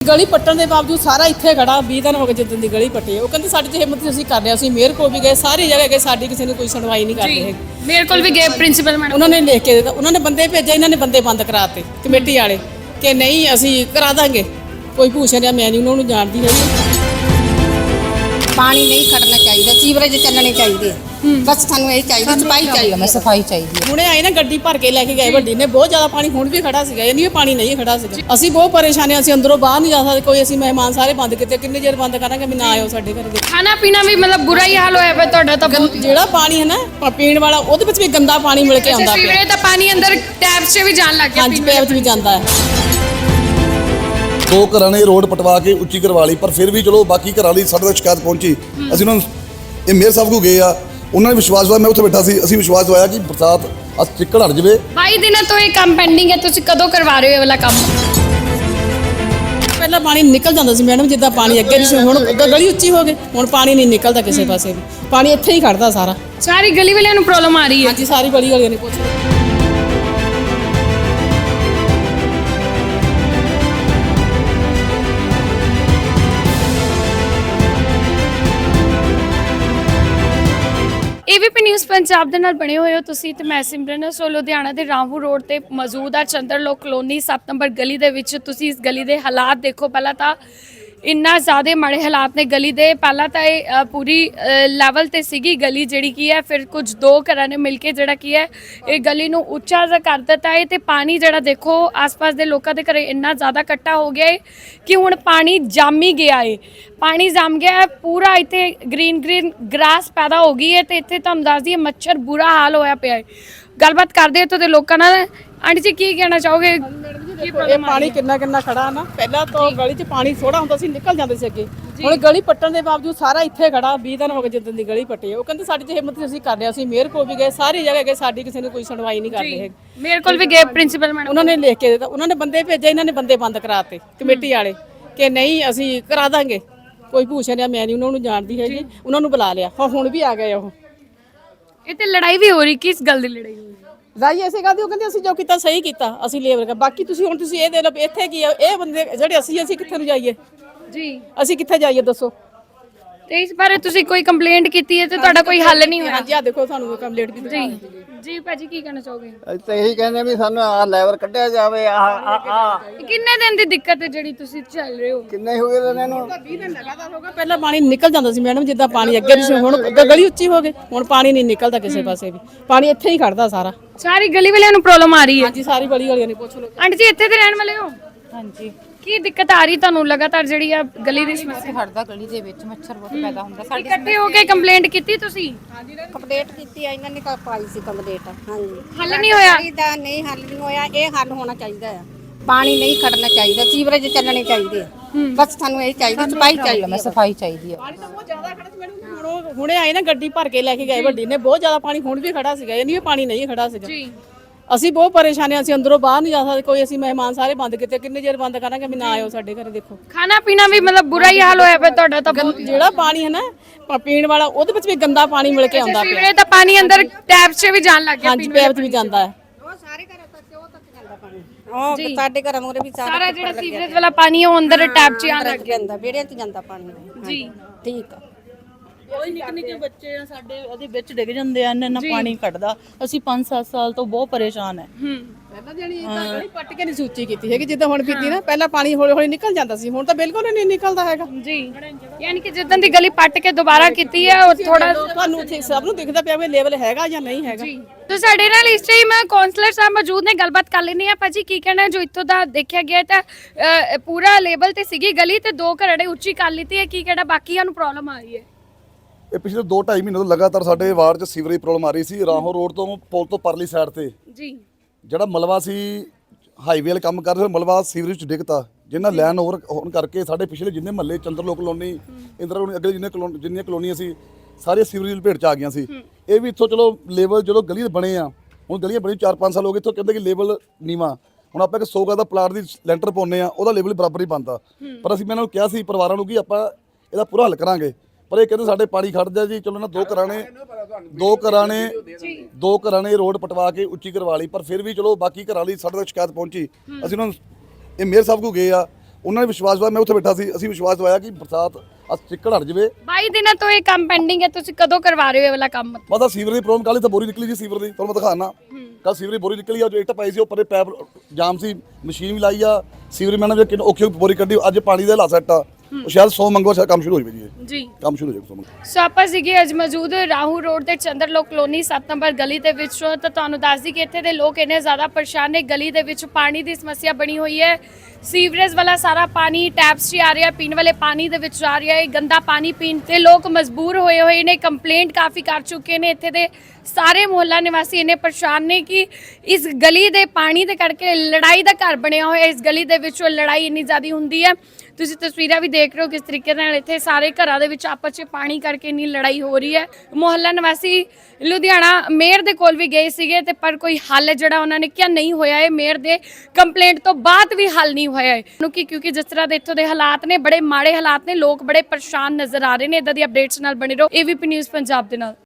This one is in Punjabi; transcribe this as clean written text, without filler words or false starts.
ਗਲੀ ਪੱਟਣ ਦੇ ਬਾਵਜੂਦ ਸਾਰਾ ਇੱਥੇ ਖੜਾ 20 ਦਿਨ ਹੋ ਗਏ ਜਿੱਦਣ ਦੀ ਗਲੀ ਪੱਟੀ ਹੈ। ਉਹ ਕਹਿੰਦੇ ਸਾਡੀ ਤੇ ਹਿੰਮਤ ਅਸੀਂ ਕਰ ਲਿਆ, ਅਸੀਂ ਮੇਅਰ ਕੋਲ ਵੀ ਗਏ, ਸਾਰੀ ਜਗ੍ਹਾ ਗਏ, ਸਾਡੀ ਕਿਸੇ ਨੇ ਕੋਈ ਸੁਣਵਾਈ ਨਹੀਂ ਕਰਦੇ ਹੈਗੇ। ਮੇਰੇ ਕੋਲ ਵੀ ਗਏ ਪ੍ਰਿੰਸੀਪਲ ਮੈਡਮ, ਉਹਨਾਂ ਨੇ ਲਿਖ ਕੇ ਦਿੱਤਾ, ਉਹਨਾਂ ਨੇ ਬੰਦੇ ਭੇਜੇ, ਇਹਨਾਂ ਨੇ ਬੰਦੇ ਬੰਦ ਕਰਾਤੇ ਕਮੇਟੀ ਵਾਲੇ ਕਿ ਨਹੀਂ ਅਸੀਂ ਕਰਾ ਦਾਂਗੇ। ਕੋਈ ਭੂਸ਼ਣ ਜਾਂ ਮੈਂ ਨਹੀਂ ਉਹਨਾਂ ਨੂੰ ਜਾਣਦੀ ਹੈਗੀ। ਪਾਣੀ ਨਹੀਂ ਖੜਨਾ ਚਾਹੀਦਾ, ਸੀਵਰੇਜ ਚੱਲਣੇ ਚਾਹੀਦੇ, ਬਸ ਸਾਨੂੰ ਇਹ ਚਾਹੀਦਾ, ਸਫਾਈ ਚਾਹੀਦੀ, ਸਫਾਈ ਚਾਹੀਦੀ ਹੁਣੇ ਆਏ ਨਾ ਗੱਡੀ ਭਰ ਕੇ ਲੈ ਕੇ ਗਏ ਵੱਡੀ ਨੇ, ਬਹੁਤ ਜ਼ਿਆਦਾ ਪਾਣੀ ਹੁਣ ਵੀ ਖੜਾ ਸੀਗਾ, ਇਹ ਨਹੀਂ ਪਾਣੀ ਨਹੀਂ ਖੜਾ ਸੀਗਾ। ਅਸੀਂ ਬਹੁਤ ਪਰੇਸ਼ਾਨ ਹਾਂ, ਅਸੀਂ ਅੰਦਰੋਂ ਬਾਹਰ ਨਹੀਂ ਜਾ ਸਕਦੇ, ਕੋਈ ਅਸੀਂ ਮਹਿਮਾਨ ਸਾਰੇ ਬੰਦ ਕੀਤੇ, ਕਿੰਨੇ ਚਿਰ ਬੰਦ ਕਰਾਂਗੇ ਵੀ ਨਾ ਆਇਓ ਸਾਡੇ ਘਰ ਦੇ। ਖਾਣਾ ਪੀਣਾ ਵੀ ਮਤਲਬ ਬੁਰਾ ਹੀ ਹਾਲ ਹੋਇਆ ਪਿਆ ਤੁਹਾਡਾ ਤਾਂ ਬਹੁਤ। ਜਿਹੜਾ ਪਾਣੀ ਹੈ ਨਾ ਪੀਣ ਵਾਲਾ, ਉਹਦੇ ਵਿੱਚ ਵੀ ਗੰਦਾ ਪਾਣੀ ਮਿਲ ਕੇ ਆਉਂਦਾ ਪਿਆ। ਸੀਵਰੇਜ ਦਾ ਪਾਣੀ ਅੰਦਰ ਟੈਪਸ 'ਚ ਵੀ ਜਾਣ ਲੱਗ ਗਿਆ, ਹਾਂਜੀ ਪੈਪ 'ਚ ਵੀ ਜਾਂਦਾ ਹੈ। 2 ਘਰਾਂ ਨੇ ਰੋਡ ਪਟਵਾ ਕੇ ਉੱਚੀ ਕਰਵਾ ਲਈ, ਪਰ ਫਿਰ ਵੀ ਚਲੋ ਬਾਕੀ ਘਰਾਂ ਲਈ ਸਾਡੇ ਤੱਕ ਸ਼ਿਕਾਇਤ ਪਹੁੰਚੀ। ਅਸੀਂ ਉਹਨਾਂ ਨੂੰ ਇਹ ਮੇਅਰ ਸਾਹਿਬ ਕੋਲ ਗਏ ਆ, ਉਹਨਾਂ ਨੇ ਵਿਸ਼ਵਾਸ ਦਵਾਇਆ, ਮੈਂ ਉੱਥੇ ਬੈਠਾ ਸੀ, ਅਸੀਂ ਵਿਸ਼ਵਾਸ ਦਵਾਇਆ ਕਿ ਬਰਸਾਤ ਅੱਜ ਚਿੱਕੜ ਹਟ ਜਾਵੇ। 22 ਦਿਨਾਂ ਤੋਂ ਇਹ ਕੰਮ ਪੈਂਡਿੰਗ ਹੈ, ਤੁਸੀਂ ਕਦੋਂ ਕਰਵਾ ਰਹੇ ਹੋ ਇਹ ਵਾਲਾ ਕੰਮ? ਪਹਿਲਾਂ ਪਾਣੀ ਨਿਕਲ ਜਾਂਦਾ ਸੀ ਮੈਡਮ, ਜਿੱਦਾਂ ਪਾਣੀ ਅੱਗੇ ਨਹੀਂ ਸੀ, ਹੁਣ ਗਲੀ ਉੱਚੀ ਹੋ ਗਈ, ਹੁਣ ਪਾਣੀ ਨਹੀਂ ਨਿਕਲਦਾ ਕਿਸੇ ਪਾਸੇ ਵੀ, ਪਾਣੀ ਇੱਥੇ ਹੀ ਖੜਦਾ ਸਾਰਾ। ਸਾਰੀ ਗਲੀ ਵਾਲਿਆਂ ਨੂੰ ਪ੍ਰੋਬਲਮ ਆ ਰਹੀ ਹੈ। ਹਾਂਜੀ ਸਾਰੀ ਗਲੀ ਵਾਲੀਆਂ ਨੇ ਪੁੱਛ AVP ਨਿਊਜ਼ ਪੰਜਾਬ ਦੇ ਨਾਲ ਬਣੇ ਹੋਏ ਹੋ ਤੁਸੀਂ ਤੇ ਮੈਂ ਸਿਮਰਨ। ਸੋ ਲੁਧਿਆਣਾ ਦੇ ਰਾਮਪੁਰ ਰੋਡ ਤੇ ਮੌਜੂਦ ਆ ਚੰਦਰਲੋਕ ਕਲੋਨੀ 7 ਨੰਬਰ ਗਲੀ ਦੇ ਵਿੱਚ। ਤੁਸੀਂ ਇਸ ਗਲੀ ਦੇ ਹਾਲਾਤ ਦੇਖੋ, ਪਹਿਲਾਂ ਤਾਂ ਇੰਨਾ ਜ਼ਿਆਦਾ ਮਾੜੇ ਹਾਲਾਤ ਨੇ ਗਲੀ ਦੇ। ਪਹਿਲਾਂ ਤਾਂ ਇਹ ਪੂਰੀ ਲੈਵਲ ਤੇ ਸੀਗੀ ਗਲੀ ਜਿਹੜੀ ਕੀ ਹੈ, ਫਿਰ ਕੁਝ 2 ਘਰਾਂ ਨੇ ਮਿਲ ਕੇ ਜਿਹੜਾ ਕੀ ਹੈ ਇਹ ਗਲੀ ਨੂੰ ਉੱਚਾ ਜਿਹਾ ਕਰ ਦਿੱਤਾ ਹੈ। ਤੇ ਪਾਣੀ ਜਿਹੜਾ ਦੇਖੋ ਆਸ-ਪਾਸ ਦੇ ਲੋਕਾਂ ਦੇ ਘਰੇ ਇੰਨਾ ਜ਼ਿਆਦਾ ਇਕੱਠਾ ਹੋ ਗਿਆ ਹੈ ਕਿ ਹੁਣ ਪਾਣੀ ਜੰਮ ਹੀ ਗਿਆ ਹੈ। ਪਾਣੀ ਜੰਮ ਗਿਆ ਹੈ ਪੂਰਾ, ਇੱਥੇ ਗ੍ਰੀਨ ਗ੍ਰਾਸ ਪੈਦਾ ਹੋ ਗਈ ਹੈ ਤੇ ਇੱਥੇ ਤੁਹਾਨੂੰ ਦੱਸ ਦਈਏ ਮੱਛਰ ਬੁਰਾ ਹਾਲ ਹੋਇਆ ਪਿਆ ਹੈ। ਗੱਲਬਾਤ ਕਰਦੇ ਇੱਥੋਂ ਦੇ ਲੋਕਾਂ ਨਾਲ। ਆਂਟੀ ਜੀ ਕੀ ਕਹਿਣਾ ਚਾਹੋਗੇ? ਇਹ ਪਾਣੀ ਕਿੰਨਾ ਖੜਾ ਨਾ, ਪਹਿਲਾਂ ਤਾਂ ਗਲੀ 'ਚ ਪਾਣੀ ਥੋੜਾ ਹੁੰਦਾ ਸੀ, ਨਿਕਲ ਜਾਂਦੇ ਸੀ ਅੱਗੇ। ਹੁਣ ਗਲੀ ਪੱਟਣ ਦੇ ਬਾਵਜੂਦ ਸਾਰਾ ਇੱਥੇ ਖੜਾ 20 ਦਿਨ ਹੋ ਗਏ ਜਿੱਦਣ ਦੀ ਗਲੀ ਪੱਟੀ ਹੈ। ਉਹ ਕਹਿੰਦੇ ਸਾਡੀ ਤੇ ਹਿੰਮਤ ਅਸੀਂ ਕਰ ਲਿਆ, ਅਸੀਂ ਮੇਅਰ ਕੋਲ ਵੀ ਗਏ, ਸਾਰੀ ਜਗ੍ਹਾ ਗਏ, ਸਾਡੀ ਕਿਸੇ ਨੇ ਕੋਈ ਸੁਣਵਾਈ ਨਹੀਂ ਕਰਦੇ ਹੈਗੇ। ਮੇਰੇ ਕੋਲ ਵੀ ਗਏ ਪ੍ਰਿੰਸੀਪਲ ਮੈਡਮ, ਉਹਨਾਂ ਨੇ ਲਿਖ ਕੇ ਦਿੱਤਾ, ਉਹਨਾਂ ਨੇ ਬੰਦੇ ਭੇਜੇ, ਇਹਨਾਂ ਨੇ ਬੰਦੇ ਬੰਦ ਕਰਾਤੇ ਕਮੇਟੀ ਵਾਲੇ ਕਿ ਨਹੀਂ ਅਸੀਂ ਕਰਾ ਦਾਂਗੇ। ਕੋਈ ਭੂਸ਼ਣ ਜਾਂ ਮੈਂ ਨਹੀਂ ਉਹਨਾਂ ਨੂੰ ਜਾਣਦੀ ਹੈਗੀ, ਉਹਨਾਂ ਨੂੰ ਬੁਲਾ ਲਿਆ, ਹੁਣ ਵੀ ਆ ਗਏ ਉਹ। ਇਹ ਤੇ ਲੜਾਈ ਵੀ ਹੋ ਰਹੀ, ਕਿਸ ਗੱਲ ਦੀ ਲੜਾਈ ਹੋ ਰਹੀ? ਰਾਈ ਐਸੇ ਗੱਲ ਦੀ, ਉਹ ਕਹਿੰਦੇ ਅਸੀਂ ਜੋ ਕੀਤਾ ਸਹੀ ਕੀਤਾ, ਅਸੀਂ ਲੇਬਰ ਕਰ, ਬਾਕੀ ਤੁਸੀਂ ਹੁਣ ਤੁਸੀਂ ਇਹ ਦੇ ਲਓ ਇੱਥੇ ਕੀ ਆ, ਇਹ ਬੰਦੇ ਜਿਹੜੇ ਅਸੀਂ ਕਿੱਥੇ ਨੂੰ ਜਾਈਏ ਜੀ, ਅਸੀਂ ਕਿੱਥੇ ਜਾਈਏ ਦੱਸੋ? ਤੇ ਇਸ ਬਾਰੇ ਤੁਸੀਂ ਕੋਈ ਕੰਪਲੇਂਟ ਕੀਤੀ ਹੈ ਤੇ ਤੁਹਾਡਾ ਕੋਈ ਹੱਲ ਨਹੀਂ ਹੋਇਆ? ਹਾਂਜੀ ਆ ਦੇਖੋ ਸਾਨੂੰ ਕੰਪਲੀਟ ਕੀਤੀ। ਜੀ ਜੀ ਭਾਜੀ ਕੀ ਕਹਿਣਾ ਚਾਹੋਗੇ? ਅਸੀਂ ਤਾਂ ਇਹੀ ਕਹਿੰਦੇ ਵੀ ਸਾਨੂੰ ਆਹ ਲੈਵਲ ਕੱਢਿਆ ਜਾਵੇ। ਕਿੰਨੇ ਦਿਨ ਦੀ ਦਿੱਕਤ ਹੈ ਜਿਹੜੀ ਤੁਸੀਂ ਚੱਲ ਰਹੇ ਹੋ? ਕਿੰਨੇ ਹੋ ਗਏ ਇਹਨਾਂ ਨੂੰ? 20 ਦਿਨ ਲਗਾਤਾਰ ਹੋ ਗਏ। ਪਹਿਲਾਂ ਪਾਣੀ ਨਿਕਲ ਜਾਂਦਾ ਸੀ ਮੈਡਮ, ਜਿੱਦਾਂ ਪਾਣੀ ਅੱਗੇ ਨਹੀਂ ਸੀ, ਹੁਣ ਗਲੀ ਉੱਚੀ ਹੋ ਗਈ, ਹੁਣ ਪਾਣੀ ਨਹੀਂ ਨਿਕਲਦਾ ਕਿਸੇ ਪਾਸੇ ਵੀ, ਪਾਣੀ ਇੱਥੇ ਹੀ ਖੜਦਾ ਸਾਰਾ। ਸਾਰੀ ਗਲੀ ਵਾਲਿਆਂ ਨੂੰ ਪ੍ਰੋਬਲਮ ਆ ਰਹੀ ਹੈ? ਹਾਂਜੀ ਸਾਰੀ ਗਲੀ ਵਾਲੀਆਂ ਨੇ ਪੁੱਛ ਲਓ। ਆਂਟੀ ਜੀ ਇੱਥੇ ਦੇ ਰਹਿਣ ਵਾਲੇ ਹੋ? ਹਾਂਜੀ। ਕੀ ਦਿੱਕਤ ਆ ਰਹੀ ਤੁਹਾਨੂੰ ਲਗਾਤਾਰ ਜਿਹੜੀ ਆ ਗਲੀ ਦੀ ਸਮੱਸਿਆ? ਖੜਦਾ ਗਲੀ ਦੇ ਵਿੱਚ ਮੱਛਰ ਬਹੁਤ ਪੈਦਾ ਹੁੰਦਾ। ਸਾਡੇ ਇਕੱਠੇ ਹੋ ਕੇ ਕੰਪਲੇਂਟ ਕੀਤੀ ਤੁਸੀਂ? ਕੰਪਲੀਟ ਕੀਤੀ ਆ, ਇਹਨਾਂ ਨੇ ਪਾਈ ਸੀ ਕੰਪਲੀਟ। ਹਾਂਜੀ ਹੱਲ ਨਹੀਂ ਹੋਇਆ? ਇਹਦਾ ਨਹੀਂ ਹੱਲ ਨਹੀਂ ਹੋਇਆ, ਇਹ ਹੱਲ ਹੋਣਾ ਚਾਹੀਦਾ ਹੈ। ਪਾਣੀ ਨਹੀਂ ਖੜਨਾ ਚਾਹੀਦਾ, ਸੀਵਰੇਜ ਚੱਲਣੇ ਚਾਹੀਦੇ, ਬਸ ਸਾਨੂੰ ਇਹ ਚਾਹੀਦਾ, ਸਫਾਈ ਚਾਹੀਦੀ, ਸਫਾਈ ਚਾਹੀਦੀ ਹੈ। ਪਾਣੀ ਤਾਂ ਬਹੁਤ ਜ਼ਿਆਦਾ ਖੜਾ ਸੀ ਮੈਡਮ, ਹੁਣੇ ਆਏ ਨਾ ਗੱਡੀ ਭਰ ਕੇ ਲੈ ਕੇ ਗਏ ਵੱਡੀ ਨੇ, ਬਹੁਤ ਜ਼ਿਆਦਾ ਪਾਣੀ ਹੁਣ ਵੀ ਖੜਾ ਸੀਗਾ, ਇਹ ਨਹੀਂ ਪਾਣੀ ਨਹੀਂ ਖੜਾ ਸੀਗਾ। ਜੀ ਅਸੀਂ ਬਹੁਤ ਪਰੇਸ਼ਾਨ ਹਾਂ, ਅਸੀਂ ਅੰਦਰੋਂ ਬਾਹਰ ਨਹੀਂ ਜਾ ਸਕਦੇ, ਕੋਈ ਅਸੀਂ ਮਹਿਮਾਨ ਸਾਰੇ ਬੰਦ ਕੀਤੇ, ਕਿੰਨੇ ਚਿਰ ਬੰਦ ਕਰਾਂਗੇ ਵੀ ਨਾ ਆਇਓ ਸਾਡੇ ਘਰ ਦੇਖੋ। ਖਾਣਾ ਪੀਣਾ ਵੀ ਮਤਲਬ ਬੁਰਾ ਹੀ ਹਾਲ ਹੋਇਆ ਪਿਆ ਤੁਹਾਡਾ ਤਾਂ ਬਹੁਤ। ਜਿਹੜਾ ਪਾਣੀ ਹੈ ਨਾ ਪੀਣ ਵਾਲਾ, ਉਹਦੇ ਵਿੱਚ ਵੀ ਗੰਦਾ ਪਾਣੀ ਮਿਲ ਕੇ ਆਉਂਦਾ ਪਿਆ। ਸੀਵਰੇਜ ਦਾ ਪਾਣੀ ਅੰਦਰ ਟੈਪਸ 'ਚ ਵੀ ਜਾਣ ਲੱਗ ਗਿਆ, ਹਾਂਜੀ ਪੈਪ 'ਚ ਵੀ ਜਾਂਦਾ ਹੈ। ਉਹ ਸਾਰੇ ਘਰਾਂ ਤੱਕ ਉਹ ਤੱਕ ਜਾਂਦਾ ਪਾਣੀ, ਉਹ ਸਾਡੇ ਘਰਾਂ ਮੂਰੇ ਵੀ ਸਾਰਾ ਜਿਹੜਾ ਸੀਵਰੇਜ ਵਾਲਾ ਪਾਣੀ ਉਹ ਅੰਦਰ ਟੈਪ 'ਚ ਆਣ ਲੱਗ ਗਿਆ। ਜਾਂਦਾ, ਵਿਹੜਿਆਂ 'ਚ ਜਾਂਦਾ ਪਾਣੀ। ਜੀ ਠੀਕ ਆ। ਕੋਈ ਨਿੱਕੇ ਬੱਚੇ ਆ ਸਾਡੇ, ਉਹਦੇ ਵਿੱਚ ਡਿੱਗ ਜਾਂਦੇ ਆ, ਇੰਨਾ ਪਾਣੀ ਕੱਢਦਾ। ਅਸੀਂ 5-7 ਸਾਲ ਤੋਂ ਬਹੁਤ ਪਰੇਸ਼ਾਨ ਹੈ। ਪਹਿਲਾਂ ਜਿਹੜੀ ਗਲੀ ਪੱਟ ਕੇ ਨਹੀਂ ਸੂਚੀ ਕੀਤੀ ਹੈਗੀ, ਜਿੱਦਾਂ ਹੁਣ ਕੀਤੀ ਨਾ, ਪਹਿਲਾਂ ਪਾਣੀ ਹੌਲੀ ਹੌਲੀ ਨਿਕਲ ਜਾਂਦਾ ਸੀ, ਹੁਣ ਤਾਂ ਬਿਲਕੁਲ ਨਹੀਂ ਨਿਕਲਦਾ ਹੈਗਾ ਜੀ। ਯਾਨੀ ਕਿ ਜਿੱਦਾਂ ਦੀ ਗਲੀ ਪੱਟ ਕੇ ਦੁਬਾਰਾ ਕੀਤੀ ਹੈ ਉਹ ਥੋੜਾ ਤੁਹਾਨੂੰ ਸਭ ਨੂੰ ਦਿਖਦਾ ਪਿਆ ਵੀ ਲੈਵਲ ਹੈਗਾ ਜਾਂ ਨਹੀਂ ਹੈਗਾ। तो साडे नाल इस टाइम काउंसलर साहब मौजूद ने, गलबात कर लेने भाजी की कहना है जो इत्थों दा देखा गया था पूरा लेवल ते सीगी गली ते 2 घरड़े उच्ची कर लीती है, की कहना बाकियां नूं प्रॉब्लम आ रही है? ਇਹ ਪਿਛਲੇ 2-2.5 ਮਹੀਨੇ ਤੋਂ ਲਗਾਤਾਰ ਸਾਡੇ ਵਾਰਡ 'ਚ ਸੀਵਰੇਜ ਪ੍ਰੋਬਲਮ ਆ ਰਹੀ ਸੀ। ਰਾਹੋਂ ਰੋਡ ਤੋਂ ਪੁਲ ਤੋਂ ਪਰਲੀ ਸਾਈਡ ਤੇ जी ਜਿਹੜਾ ਮਲਵਾ ਸੀ, ਹਾਈਵੇ ਵਾਲੇ ਕੰਮ ਕਰਦੇ ਹੋਏ ਮਲਵਾ ਸੀਵਰੇਜ 'ਚ ਡਿੱਗਤਾ, ਜਿੰਨਾ ਲੈਨ ਓਵਰ ਹੋਣ ਕਰਕੇ ਸਾਡੇ ਪਿਛਲੇ ਜਿੰਨੇ ਮਹੱਲੇ ਚੰਦਰਲੋਕ ਕਲੋਨੀ, ਇੰਦਰਾ ਕਲੋਨੀ, ਅੱਗੇ ਜਿੰਨੀਆਂ ਕਲੋਨੀਆਂ ਸੀ ਸਾਰੀਆਂ ਸੀਵਰੇਜ ਦੀ ਭੇਟ 'ਚ ਆ ਗਈਆਂ ਸੀ। ਇਹ ਵੀ ਇੱਥੋਂ ਚਲੋ ਲੈਵਲ ਜਦੋਂ ਗਲੀ ਬਣੇ ਆ, ਹੁਣ ਗਲੀਆਂ ਬਣੀ 4-5 ਸਾਲ ਹੋ ਗਏ, ਇੱਥੋਂ ਕਹਿੰਦੇ ਕਿ ਲੈਵਲ ਨੀਵਾਂ, ਹੁਣ ਆਪਾਂ ਇੱਕ 100 ਗਜ਼ ਦਾ ਪਲਾਟ ਦੀ ਲੈਂਟਰ ਪਾਉਂਦੇ ਆ, ਉਹਦਾ ਲੈਵਲ ਬਰਾਬਰ ਹੀ ਬਣਦਾ। ਪਰ ਅਸੀਂ ਮੈਂ ਇਹਨਾਂ ਨੂੰ ਕਿਹਾ ਸੀ ਪਰਿਵਾਰਾਂ ਨੂੰ ਕਿ ਆਪਾਂ ਇਹਦਾ ਪੂਰਾ ਹੱਲ ਕਰਾਂਗੇ, ਪਰ ਇਹ ਕਹਿੰਦੇ ਸਾਡੇ ਪਾਣੀ ਖੜਦਾ ਜੀ। ਚਲੋ ਨਾ 2 ਘਰਾਂ ਨੇ ਰੋਡ ਪਟਵਾ ਕੇ ਉੱਚੀ ਕਰਵਾ ਲਈ, ਪਰ ਫਿਰ ਵੀ ਚਲੋ ਬਾਕੀ ਘਰਾਂ ਲਈ ਸਾਡੇ ਤੱਕ ਸ਼ਿਕਾਇਤ ਪਹੁੰਚੀ। ਅਸੀਂ ਉਹਨਾਂ ਨੂੰ ਇਹ ਮੇਅਰ ਸਾਹਿਬ ਕੋਲ ਗਏ ਆ, ਉਹਨਾਂ ਨੇ ਵਿਸ਼ਵਾਸ ਦਵਾਇਆ, ਮੈਂ ਉੱਥੇ ਬੈਠਾ ਸੀ, ਅਸੀਂ ਵਿਸ਼ਵਾਸ ਦਵਾਇਆ ਕਿ ਬਰਸਾਤ ਚਿੱਕੜ ਹਟ ਜਾਵੇ। 22 ਦਿਨਾਂ ਤੋਂ ਇਹ ਕੰਮ ਪੈਂਡਿੰਗ ਹੈ, ਤੁਸੀਂ ਕਦੋਂ ਕਰਵਾ ਰਹੇ ਹੋ ਇਹ ਵਾਲਾ ਕੰਮ? ਪਤਾ ਸੀਵਰ ਦੀ ਪ੍ਰੋਬਲਮ, ਕੱਲ੍ਹ ਤਾਂ ਬੋਰੀ ਨਿਕਲੀ ਜੀ ਸੀਵਰ ਦੀ, ਤੁਹਾਨੂੰ ਮੈਂ ਦਿਖਾਣਾ। ਕੱਲ ਸੀਵਰ ਦੀ ਬੋਰੀ ਨਿਕਲੀ ਆ, ਜੋ ਇੱਟ ਪਾਈ ਸੀ ਉਹ ਪਰੇ ਪੈਪ ਜਾਮ ਸੀ, ਮਸ਼ੀਨ ਵੀ ਲਾਈ ਆ, ਸੀਵਰ ਮੈਨ ਨੇ ਕਿੰਨੀ ਔਖੀ ਬੋਰੀ ਕੱਢੀ। ਅੱਜ ਪਾਣੀ ਦਾ ਹਾਲਾਤ ਸੈੱਟ ਆ, ਉਹ ਸ਼ਾਇਦ 100 ਮੰਗਵਾ ਸ਼ਾਇਦ ਕੰਮ ਸ਼ੁਰੂ ਹੋ ਜਾਵੇ ਜੀ, ਜੀ ਕੰਮ ਸ਼ੁਰੂ ਹੋ ਜਾਵੇ 100 ਮੰਗਵਾ। ਸੋ ਆਪਾਂ ਸੀਗੇ ਅੱਜ ਮੌਜੂਦ ਰਾਹੂ ਰੋਡ ਤੇ ਚੰਦਰਲੋਕ ਕਲੋਨੀ 7 ਨੰਬਰ ਗਲੀ ਦੇ ਵਿੱਚ। ਤਾਂ ਤੁਹਾਨੂੰ ਦੱਸ ਦਈ ਕਿ ਇੱਥੇ ਦੇ ਲੋਕ ਇੰਨੇ ਜ਼ਿਆਦਾ ਪਰੇਸ਼ਾਨ ਨੇ, ਗਲੀ ਦੇ ਵਿੱਚ ਪਾਣੀ ਦੀ ਸਮੱਸਿਆ ਬਣੀ ਹੋਈ ਹੈ। ਸੀਵਰੇਜ ਵਾਲਾ ਸਾਰਾ ਪਾਣੀ ਟੈਪਸ 'ਚ ਆ ਰਿਹਾ, ਪੀਣ ਵਾਲੇ ਪਾਣੀ ਦੇ ਵਿੱਚ ਆ ਰਿਹਾ ਹੈ, ਗੰਦਾ ਪਾਣੀ ਪੀਣ ਤੇ ਲੋਕ ਮਜਬੂਰ ਹੋਏ ਨੇ। ਕੰਪਲੇਂਟ ਕਾਫੀ ਕਰ ਚੁੱਕੇ ਨੇ, ਇੱਥੇ ਦੇ ਸਾਰੇ ਮੁਹੱਲਾ ਨਿਵਾਸੀ ਇੰਨੇ ਪਰੇਸ਼ਾਨ ਨੇ ਕਿ ਇਸ ਗਲੀ ਦੇ ਪਾਣੀ ਦੇ ਕਰਕੇ ਲੜਾਈ ਦਾ ਘਰ ਬਣਿਆ ਹੋਇਆ। ਇਸ ਗਲੀ ਦੇ ਵਿੱਚ ਲੜਾਈ ਇੰਨੀ ਜ਼ਿਆਦਾ ਹੁੰਦੀ ਹੈ, ਤੁਸੀਂ ਤਸਵੀਰਾਂ ਵੀ ਦੇਖ ਰਹੇ ਹੋ ਕਿਸ ਤਰੀਕੇ ਨਾਲ ਇੱਥੇ ਸਾਰੇ ਘਰਾਂ ਦੇ ਵਿੱਚ ਆਪਸ 'ਚ ਪਾਣੀ ਕਰਕੇ ਇੰਨੀ ਲੜਾਈ ਹੋ ਰਹੀ ਹੈ। ਮੁਹੱਲਾ ਨਿਵਾਸੀ ਲੁਧਿਆਣਾ ਮੇਅਰ ਦੇ ਕੋਲ ਵੀ ਗਏ ਸੀਗੇ ਤੇ ਪਰ ਕੋਈ ਹੱਲ ਜਿਹੜਾ ਉਹਨਾਂ ਨੇ ਕਿਹਾ ਨਹੀਂ ਹੋਇਆ ਹੈ। ਮੇਅਰ ਦੇ ਕੰਪਲੇਂਟ ਤੋਂ ਬਾਅਦ ਵੀ ਹੱਲ ਨਹੀਂ ਹੋਇਆ ਹੈ, ਕਿਉਂਕਿ ਜਿਸ ਤਰ੍ਹਾਂ ਦੇ ਇੱਥੋਂ ਦੇ ਹਾਲਾਤ ਨੇ, ਬੜੇ ਮਾੜੇ ਹਾਲਾਤ ਨੇ, ਲੋਕ ਬੜੇ ਪਰੇਸ਼ਾਨ ਨਜ਼ਰ ਆ ਰਹੇ ਨੇ। ਇਦਾਂ ਦੀ ਅਪਡੇਟਸ ਨਾਲ ਬਣੇ ਰਹੋ AVP ਨਿਊਜ਼ ਪੰਜਾਬ ਦੇ ਨਾਲ।